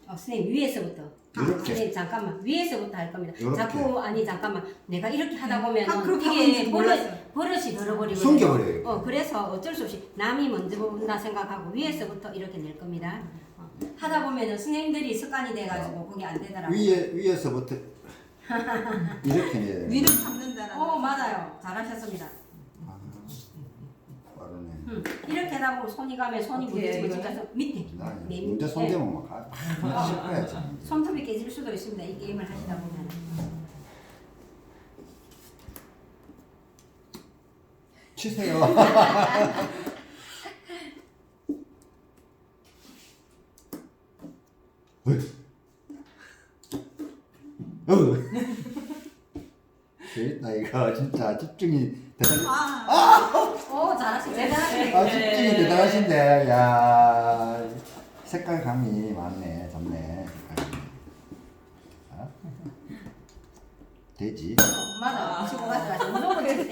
선생님 위에서부터. 이렇게? 선생님 잠깐만 위에서부터 할 겁니다. 이렇게? 자꾸 아니 잠깐만 내가 이렇게 하다 보면 그렇게 하는지 이게 몰랐어요. 버릇이 들어버리고 숨겨버려요. 그래서 어쩔 수 없이 남이 먼저 본다 생각하고 위에서부터 이렇게 낼 겁니다. 하다 보면은 선생님들이 습관이 돼가지고 그게 안 되더라고요. 위에서부터 이렇게 내야 돼요. 위를 잡는다라는. 맞아요. 잘하셨습니다. 아, 빠르네. 이렇게 하다 보면 손이 가면 손이 어떻게 부딪히고 해요, 진짜 밑에 나 네, 문제 손 네. 대면 막 씹어야지. 손톱이 깨질 수도 있습니다. 이 게임을 하시다 보면. 치세요. 재밌다 이거 진짜 집중이 대단히 오 잘하시네. 대단하시네. 집중이 대단하신데 야 색깔감이 많네 좋네 색깔감이. 아? 돼지 맞아. 치고 가져가죠. 무조건 치세요.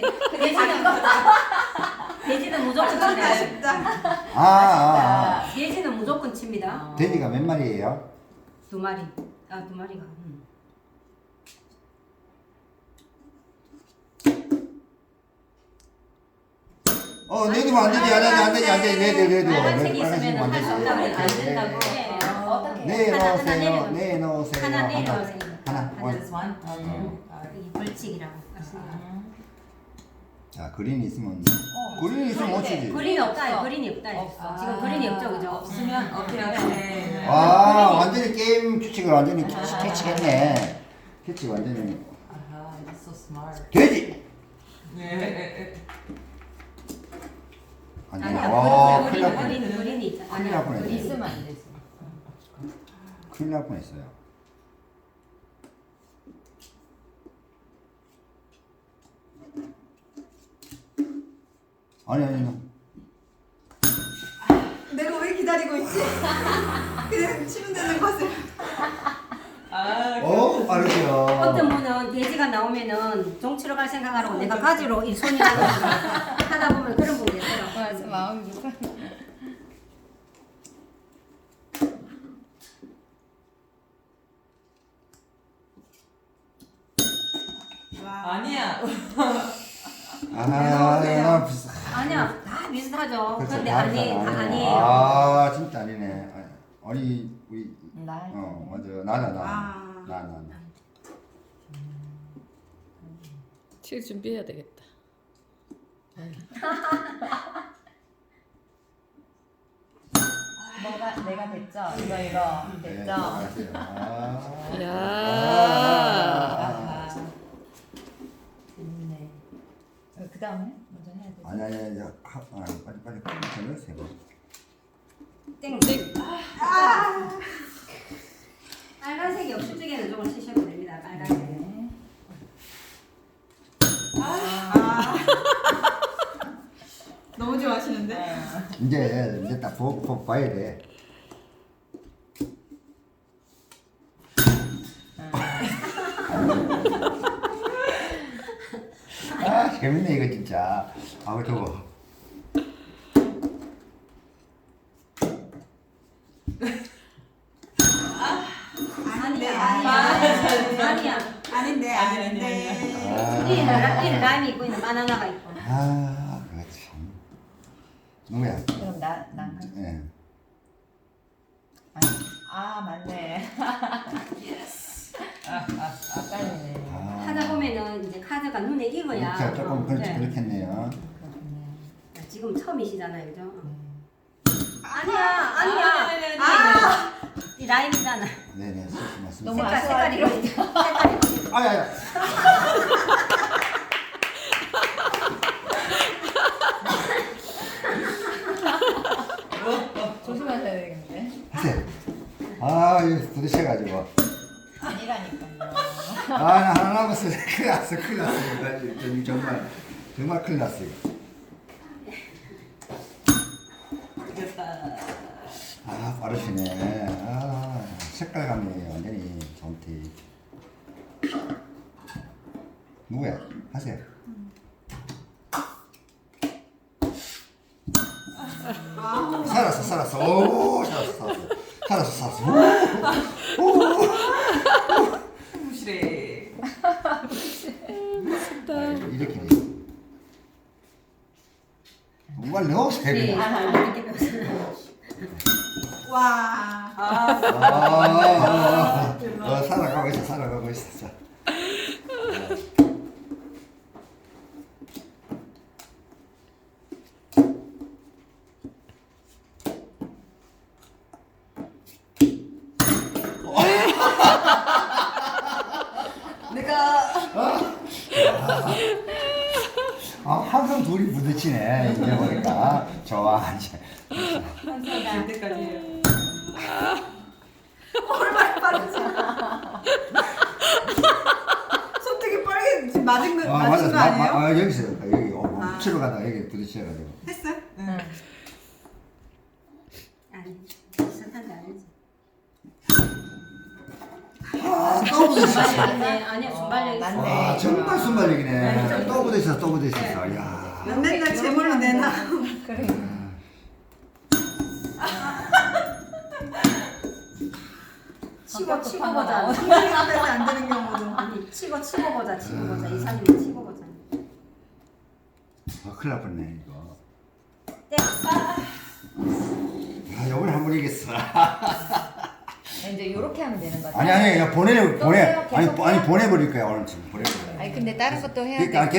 돼지는 무조건 그러니까 칩니다. 쉽다. 돼지는 무조건 칩니다. 돼지가 몇 마리예요? 2마리. 두 마리가. 내두면 안 되지 안 되지 내두 빨간색이 있으면 할 수 없다고 빨간색 안 된다고. 어떻게? 내놓으세요 내놓으세요 하나 내려오세요. 하나 Just one? 이 벌칙이라고 하십니다. 자 그린이 있으면 그린이 있으면 못 치지 그린이 없다. 그린이 없다. 없어. 지금 그린이 없죠, 그죠? 없으면 오케이. 완전히 게임 규칙을 완전히 캐치했네 캐치 완전히 아하, you're so smart. 돼지 네. 아니야. 와 큰일 날 뻔. 그린이 있잖아. 큰일 날 뻔했네. 그린. 있으면 안 되지. 큰일 날 뻔했어요. 아니 내가 왜 기다리고 있지? 그냥 치면 되는 것을. 빠르죠. 어떤 분은 돼지가 나오면은 종치러 갈 생각하라고 내가 가지로 이 손이 가가지고 하다 보면 그런 분이 있어요. 맞아, 마음이 불편. 아니야. 아니야, 다 비슷하죠. 그렇죠. 근데 다 아니에요. 진짜 아니네. 아니 우리 나. 맞아 나. 칠 준비해야 되겠다. 내가 됐죠? 이거 네, 됐죠? 알았어요. 야. 아하. 재밌네. 그 다음에 먼저 해야 돼. 아니 빨리 해보세요. 땡. 빨간색이 없을 적에는 조금 쓰셔도 됩니다. 빨간색. 네. 너무 좋아하시는데? 이제 딱 보고 봐야 돼. 재밌네 이거 진짜. 저거. 아니야. 아닌데. 이 라임이 있고 있는 바나나가 있고. 그렇지. 누구야? 그럼 난 예. 맞네. 빨리네. 하다 보면은 이제 카드가 눈에 익어야. 자, 조금 네. 그렇겠네요. 그렇군요. 지금 처음이시잖아요, 그죠? 아니야. 이 라임이잖아. 네네, 맞습니다. 너무 색깔이 색깔이. 아야. 조심하셔야 되겠는데. 이거 부딪혀가지고. 아니라니까요. 나 하나 남았어. 큰일 났어. 나 지금 정말 큰일 났어. 이거. 빠르시네. 색깔감이 완전히 좋대. 누구야? 하세요. 살았어. 오, 살았어. 무시래. 이렇게 돼. 뭔가 넣으세요. 네, 그냥. 이렇게 배웠어요. 와. 살아가고 있어, 살아가고 있어. 자. 내가 항상 둘이 부딪히네. 이제 보니까 좋아 이제. 될 때까지 해요. 얼마나 빠르지? 손등이 빨개 지금 맞은 거 맞은 거 아니에요? 여기서 여기 아. 치러 가다가 여기 부딪혀가지고. 했어요? 응. 아니, 비슷한 게 아니지. 또 부딪혔어. 아니요, 순발력 있어. 맞네. 정말 순발력이네. 또 부딪혔어, 또 부딪혔어. 야. 난 맨날 제물로 내놔. 그래. 치고 보자. 선생님 앞에서 안 되는 경우도. 아니, 치고 보자. 이사님이 치고 보자. 큰일 날 뻔네 이거. 네. 야, 요번에 한 번 이겼어. 이제 이렇게 하면 되는 거죠? 아니, 야, 보내. 또 해요? 아니, 계속 해요? 보내버릴 거야, 오늘 지금. 보내버릴 거야. 아니 근데 다른 것도 해야 돼. 그러니까